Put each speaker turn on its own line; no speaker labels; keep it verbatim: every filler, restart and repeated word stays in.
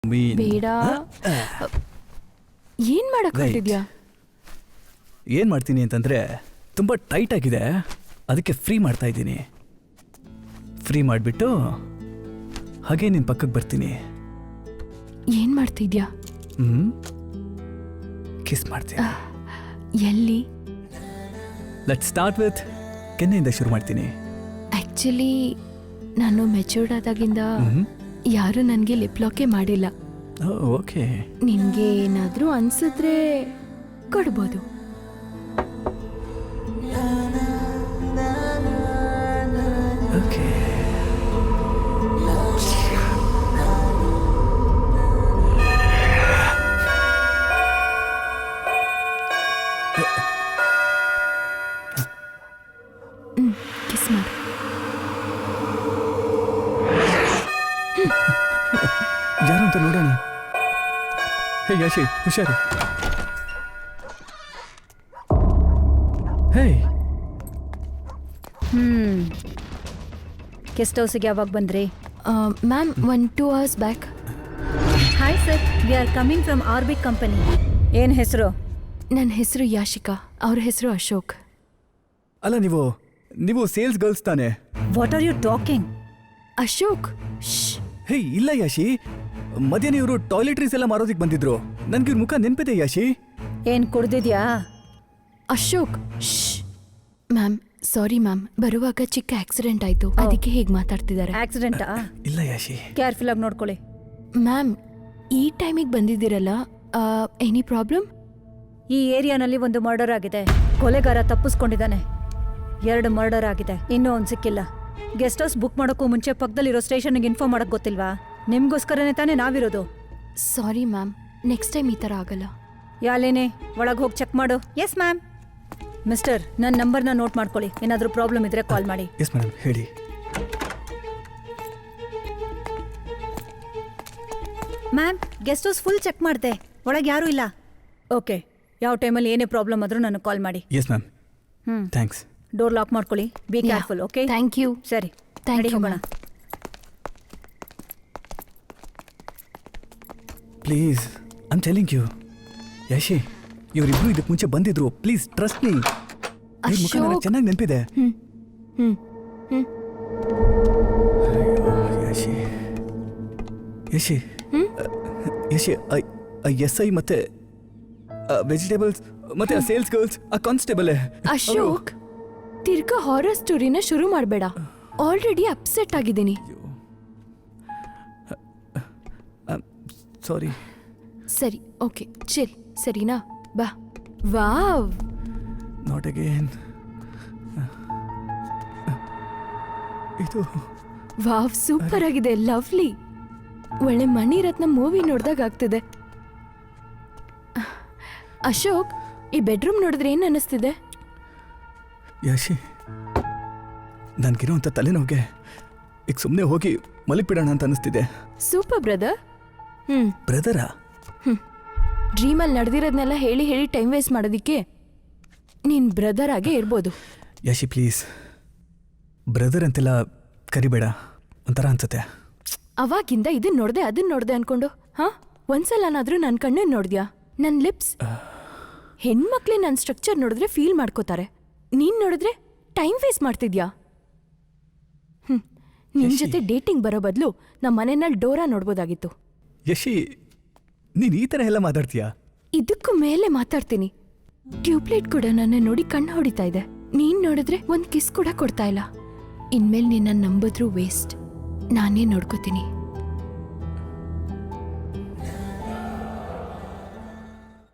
ಬೇಡ. ಏನ್ ಮಾಡಕ್ ಹೊರಟಿದ್ಯಾ?
ಏನ್ ಮಾಡ್ತೀನಿ ಅಂತಂದ್ರೆ ತುಂಬಾ ಟೈಟ್ ಆಗಿದೆ, ಅದಕ್ಕೆ ಫ್ರೀ ಮಾಡ್ತಾ ಇದ್ದೀನಿ. ಫ್ರೀ ಮಾಡಿಬಿಟ್ಟು ಹಾಗೆ ನಿನ್ ಪಕ್ಕಕ್ಕೆ ಬರ್ತೀನಿ.
ಏನ್ ಮಾಡ್ತಿದ್ಯಾ?
ಹ್ಮ್ ಕಿಸ್ ಮಾಡ್ತೀನಿ.
ಎಲ್ಲಿ?
ಲೆಟ್ಸ್ ಸ್ಟಾರ್ಟ್ ವಿತ್ ಕೆನ್ನೆಯಿಂದ ಶುರು ಮಾಡ್ತೀನಿ.
ಆಕ್ಚುಲಿ ನಾನು ಮೆಚೂರ್ಡ್ ಆದಾಗಿಂದ ಯಾರು ನನಗೆ ಲಿಪ್ ಲಾಕೇ ಮಾಡಿಲ್ಲ.
ಓಕೆ,
ನಿನ್ಗೆ ಏನಾದ್ರೂ ಅನ್ಸಿದ್ರೆ ಕೊಡ್ಬೋದು.
ಓಕೆ.
ಕಿಸ್ ಮಾಡು.
ಯಾರು ಅಂತ ನೋಡೋಣ. ಹೇ ಯಾಶಿ, ಹುಷಾರು. ಹೇ
ಹ್ಮ್ ಗೆಸ್ಟ್ ಹೌಸಿಗೆ ಯಾವಾಗ ಬಂದ್ರಿ?
Ma'am one two hours back.
Hi sir, we are coming from Orbic company. ಏನು ಹೆಸರು?
ನನ್ನ ಹೆಸರು ಯಾಶಿಕಾ, ಅವ್ರ ಹೆಸರು ಅಶೋಕ್.
ಅಲ್ಲ, ನೀವು ನೀವು ಸೇಲ್ಸ್ ಗರ್ಲ್ಸ್ ತಾನೆ?
What are you talking?
Ashok,
hey ಇಲ್ಲ ಯಾಶಿ, ಮಧ್ಯಾಹ್ನ ಇವರು ಟಾಯ್ಲೆಟ್ರೀಸ್ ಎಲ್ಲ ಮಾರೋದಿಕ್ ಬಂದಿದ್ರು. ನನ್ಗೆ ಇವ್ರ ಮುಖ ನೆನ್ಪಿದೆ ಯಾಶಿ.
ಏನ್ ಕುಡ್ದಿದ್ಯಾ?
ಅಶೋಕ್, ಮ್ಯಾಮ್ ಸಾರಿ ಮ್ಯಾಮ್, ಬರುವಾಗ ಚಿಕ್ಕ ಆಕ್ಸಿಡೆಂಟ್ ಆಯ್ತು, ಅದಕ್ಕೆ ಹೀಗೆ ಮಾತಾಡ್ತಿದ್ದಾರೆ.
ಆಕ್ಸಿಡೆಂಟಾ?
ಇಲ್ಲ ಯಾಶಿ.
ಕೇರ್ಫುಲ್ ಆಗಿ ನೋಡ್ಕೊಳ್ಳಿ.
ಮ್ಯಾಮ್ ಈ ಟೈಮಿಗೆ ಬಂದಿದ್ದೀರಲ್ಲ, ಎನಿ ಪ್ರಾಬ್ಲಮ್?
ಈ ಏರಿಯಾನಲ್ಲಿ ಒಂದು ಮರ್ಡರ್ ಆಗಿದೆ, ಕೊಲೆಗಾರ ತಪ್ಪಿಸ್ಕೊಂಡಿದ್ದಾನೆ. ಎರಡು ಮರ್ಡರ್ ಆಗಿದೆ, ಇನ್ನೂ ಒಂದು ಸಿಕ್ಕಿಲ್ಲ. ಗೆಸ್ಟ್ ಹೌಸ್ ಬುಕ್ ಮಾಡೋಕ್ಕೂ ಮುಂಚೆ ಪಕ್ಕದಲ್ಲಿರೋ ಸ್ಟೇಷನ್ಗೆ ಇನ್ಫಾರ್ಮ್ ಮಾಡಕ್ ಗೊತ್ತಿಲ್ವಾ? ನಿಮ್ಗೋಸ್ಕರನೇ ತಾನೇ ನಾವಿರೋದು.
ಸಾರಿ ಮ್ಯಾಮ್, ನೆಕ್ಸ್ಟ್ ಟೈಮ್ ಈ ಥರ ಆಗಲ್ಲ.
ಯಾಲೇನೆ, ಒಳಗೆ ಹೋಗಿ ಚೆಕ್ ಮಾಡು. Yes ma'am. ಮಿಸ್ಟರ್, ನನ್ನ ನಂಬರ್ನ ನೋಟ್ ಮಾಡ್ಕೊಳ್ಳಿ, ಏನಾದರೂ ಪ್ರಾಬ್ಲಮ್ ಇದ್ರೆ ಕಾಲ್ ಮಾಡಿ.
ಎಸ್ ಮೇಡಮ್, ಹೇಳಿ.
Ma'am, guest house full check ಮಾಡಿದೆ, ಒಳಗೆ ಯಾರೂ ಇಲ್ಲ. ಓಕೆ, ಯಾವ ಟೈಮಲ್ಲಿ ಏನೇ ಪ್ರಾಬ್ಲಮ್ ಆದರೂ ನನಗೆ ಕಾಲ್ ಮಾಡಿ.
Yes ma'am.
ಹ್ಞೂ,
ಥ್ಯಾಂಕ್ಸ್.
ಡೋರ್ ಲಾಕ್ ಮಾಡ್ಕೊಳ್ಳಿ. Be careful. Okay,
thank you.
ಸರಿ,
ಥ್ಯಾಂಕ್ ಯು
ಹೋಗೋಣ.
Please, I am telling you. Yashi, ಇವರಿಬ್ರು ಇದಕ್ಕೆ ಮುಂಚೆ ಬಂದಿದ್ರು. Please trust me. ಮುಖ ನನಗೆ ಚೆನ್ನಾಗಿ ನೆನಪಿದೆ.
ಹ್ಮ್ ಹ್ಮ್ ಹ್ಮ್
ಯಶಿ ಯಶಿ ಯಶಿ ಎಸ್ ಐ ಮತ್ತೆ ವೆಜಿಟೇಬಲ್ಸ್ ಮತ್ತೆ ಸೇಲ್ಸ್ ಗರ್ಲ್ಸ್ ಆ ಕಾನ್ಸ್ಟೇಬಲ್.
ಅಶೋಕ್, ತಿರ್ಗಾ ಹಾರರ್ ಸ್ಟೋರಿನ ಶುರು ಮಾಡಬೇಡ. ಆಲ್ರೆಡಿ ಅಪ್ಸೆಟ್ ಆಗಿದ್ದೀನಿ.
ಸಾರಿ.
ಸರಿ, ಓಕೆ, ಚಿಲ್, ಸರಿನಾ? ಬಾ. Wow,
not again. ಇದು
ವಾವ್, ಸೂಪರ್ ಆಗಿದೆ, ಲವ್ಲಿ. ಒಳ್ಳೆ ಮಣಿರತ್ನ ಮೂವಿ ನೋಡ್ದಾಗ ಆಗ್ತಿದೆ. ಅಶೋಕ್, ಈ ಬೆಡ್ರೂಮ್ ನೋಡಿದ್ರೆ ಏನ್ ಅನ್ನಿಸ್ತಿದೆ?
ಯಾಶಿ, ನನ್ಗಿರೋಂಥ ತಲೆನೋವಿಗೆ ಈಗ ಸುಮ್ಮನೆ ಹೋಗಿ ಮಲಗಿಬಿಡೋಣ ಅಂತ ಅನಿಸ್ತಿದೆ.
Super brother. ಹ್ಮ್
ಬ್ರದರಾ?
ಹ್ಮ್ ಡ್ರೀಮಲ್ಲಿ ನಡೆದಿರೋದನ್ನೆಲ್ಲ ಹೇಳಿ ಹೇಳಿ ಟೈಮ್ ವೇಸ್ಟ್ ಮಾಡೋದಿಕ್ಕೆ ನೀನ್ ಬ್ರದರ್ ಆಗೇ ಇರ್ಬೋದು.
ಯಾಶಿ ಪ್ಲೀಸ್, ಬ್ರದರ್ ಅಂತೆಲ್ಲ ಕರಿಬೇಡ, ಒಂಥರ ಅನ್ಸುತ್ತೆ.
ಅವಾಗಿಂದ ಇದನ್ನ ನೋಡ್ದೆ ಅದನ್ನ ನೋಡ್ದೆ ಅನ್ಕೊಂಡು ಹಾ ಒಂದ್ಸಲನಾದ್ರೂ ನನ್ನ ಕಣ್ಣನ್ನು ನೋಡ್ದ್ಯಾ? ನನ್ನ ಲಿಪ್ಸ್. ಹೆಣ್ಮಕ್ಳೇ ನನ್ನ ಸ್ಟ್ರಕ್ಚರ್ ನೋಡಿದ್ರೆ ಫೀಲ್ ಮಾಡ್ಕೋತಾರೆ, ನೀನ್ ನೋಡಿದ್ರೆ ಟೈಮ್ ವೇಸ್ಟ್ ಮಾಡ್ತಿದ್ಯಾ? ಹ್ಮ್ ನಿನ್ ಜೊತೆ ಡೇಟಿಂಗ್ ಬರೋ ಬದಲು ನಮ್ಮ ಮನೆಯಲ್ಲಿ ಡೋರಾ ನೋಡ್ಬೋದಾಗಿತ್ತು.
ಯಶಿ, ನೀನ್ ಈ ತರ ಎಲ್ಲ ಮಾತಾಡ್ತೀಯಾ?
ಇದಕ್ಕೂ ಮೇಲೆ ಮಾತಾಡ್ತೀನಿ. ಟ್ಯೂಬ್ಲೈಟ್ ಕೂಡ ನನ್ನ ನೋಡಿ ಕಣ್ಣು ಹೊಡಿತಾ ಇದೆ. ನೀನ್ ನೋಡಿದ್ರೆ ಒಂದ್ ಕಿಸ್ ಕೂಡ ಕೊಡ್ತಾ ಇಲ್ಲ. ಇನ್ಮೇಲೆ ನಿನ್ನ ನಂಬಿದ್ರೂ ವೇಸ್ಟ್. ನಾನೇ ನೋಡ್ಕೋತೀನಿ.